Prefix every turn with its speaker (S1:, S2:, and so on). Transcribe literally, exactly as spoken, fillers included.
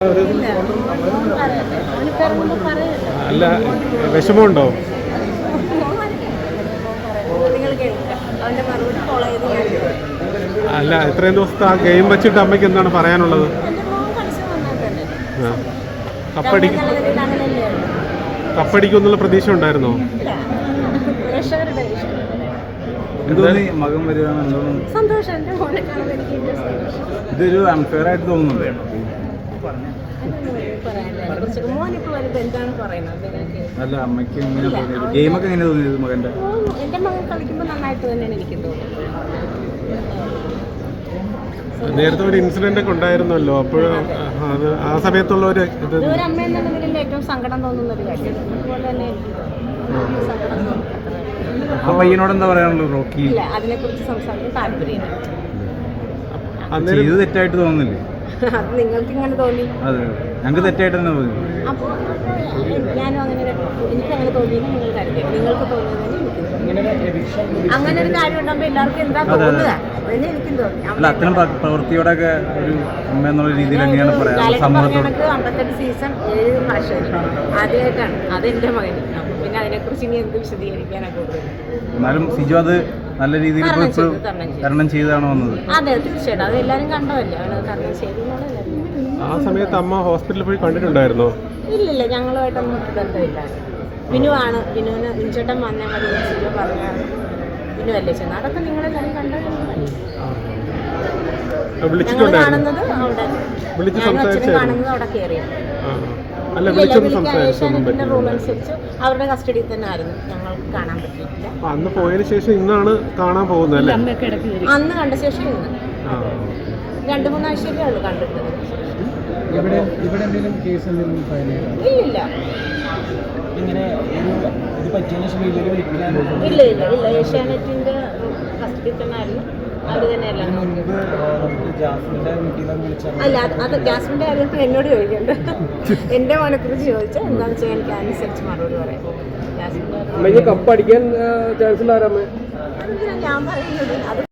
S1: അല്ല, വിഷമമുണ്ടോ? അല്ല, ഇത്രയും ദിവസത്തെ ആ ഗെയിം വെച്ചിട്ട് അമ്മയ്ക്ക് എന്താണ് പറയാനുള്ളത്? കപ്പടിക്കും കപ്പടിക്കും എന്നുള്ള പ്രതീക്ഷ ഉണ്ടായിരുന്നോ?
S2: മകൻ വരികയാണല്ലോ, ഇതൊരു അൺഫെയർ ആയിട്ട് തോന്നുന്നുണ്ട്. അല്ല, അമ്മയ്ക്ക് എങ്ങനെ തോന്നിയത്? ഗെയിമൊക്കെ എങ്ങനെ തോന്നിയത് മകന്റെ?
S3: എന്റെ മകൻ കളിക്കുമ്പോൾ നന്നായിട്ട് തന്നെയാണ് എനിക്ക് തോന്നുന്നത്.
S1: നേരത്തെ ഒരു ഇൻസിഡന്റ് ഒക്കെ ഉണ്ടായിരുന്നല്ലോ, അപ്പോൾ അത് ആ സമയത്തുള്ള ഒരു ഇത്
S3: ഒരു അമ്മ എന്ന നിലയിൽ ഏറ്റവും സങ്കടം തോന്നുന്ന ഒരു കാര്യം. അതുപോലെ തന്നെ എനിക്ക് സങ്കടം തോന്നുന്നു.
S2: ആ പയ്യനോട് എന്താ പറയാനുള്ളത്? റോക്കി
S3: ഇല്ല, അതിനെ കുറിച്ച് സംസാരിക്കാൻ താല്പര്യമില്ല.
S2: ഇത് തെറ്റായിട്ട് തോന്നുന്നില്ലേ?
S3: അത് നിങ്ങൾക്ക് ഇങ്ങനെ തോന്നി.
S2: അതെ, ഞങ്ങൾക്ക് തെറ്റായിട്ട് തന്നെ തോന്നി.
S3: അപ്പോൾ ഞാനും അങ്ങനെ എനിക്ക് അങ്ങനെ തോന്നിയെന്ന് നിങ്ങൾ കരുതി. നിങ്ങൾക്ക് തോന്നിയതെന്ന് എനിക്ക് തോന്നി. അങ്ങനെ ഒരു കാര്യം ഉണ്ടാകുമ്പോൾ എല്ലാവർക്കും എന്താ തോന്നുക അതന്നെ എനിക്കും തോന്നി.
S2: അല്ല, അത്തരം പ്രവൃത്തിയോടൊക്കെ ഒരു അമ്മ എന്നുള്ള രീതിയിൽ എങ്ങനെയാണ് പറയാം സമൂഹത്തോട്?
S3: അമ്പത്തെട്ട് സീസൺ ഏഴ് ഭാഷയിൽ ആദ്യമായിട്ടാണ് അതെന്റെ മകന്. അപ്പം പിന്നെ അതിനെക്കുറിച്ച് ഇനി എന്ത് വിശദീകരിക്കാനാണ് കൂടുതൽ.
S2: എന്നാലും സിജു അത് നല്ല രീതിയിൽ തരണം ചെയ്താണ് വന്നത്.
S3: അതെ, തീർച്ചയായിട്ടും അത് എല്ലാവരും കണ്ടതല്ലേ, അവനത് തരണം ചെയ്തെന്നുള്ളത്.
S1: ആ സമയത്ത് അമ്മ ഹോസ്പിറ്റലിൽ പോയി കണ്ടിട്ടുണ്ടായിരുന്നോ?
S3: ഇല്ലില്ല, ഞങ്ങളുമായിട്ടൊന്നും ബന്ധമില്ല. വിനു ആണ്, വിനുവിന് വിൻചേട്ടൻ വന്നാൽ മതി സിജു പറഞ്ഞാണ്. വിനു അല്ലേ ചെന്ന് അതൊക്കെ നിങ്ങളെല്ലാവരും കണ്ടത്. ഞങ്ങൾ കാണുന്നത് അവിടെ, ഞാനും അച്ഛനും കാണുന്നത് അവിടെ കയറിയത്. ഏഷ്യാനെറ്റിന്റെ റൂൾ അനുസരിച്ച് അവരുടെ കസ്റ്റഡിയിൽ തന്നെ ആയിരുന്നു, ഞങ്ങൾക്ക് കാണാൻ പറ്റിയിട്ടില്ല.
S1: അന്ന് പോയതിനു ശേഷം ഇന്നാണ് കാണാൻ പോകുന്നത്.
S3: അന്ന് കണ്ട ശേഷം ഇന്ന് രണ്ടു മൂന്നാഴ്ചയൊക്കെ ഉള്ളു കണ്ടിട്ട്. ഇല്ലില്ല ഇല്ല ഇല്ല ഇല്ല ഏഷ്യാനെറ്റിന്റെ കസ്റ്റഡിയിൽ തന്നെ ആയിരുന്നു. അവർ തന്നെയല്ല. അല്ല, അത് ജാസ്മിന്റെ കാര്യത്തിൽ എന്നോട് ചോദിക്കണ്ട. എന്റെ മോനെ കുറിച്ച് ചോദിച്ചാൽ എന്താണെന്ന് വെച്ചാൽ എനിക്ക് അനുസരിച്ച് മറുപടി പറയാം. ജാസ്മിന്റെ
S1: കപ്പടിക്കാൻ ചാൻസ്
S3: ഞാൻ പറയുന്നത് അത്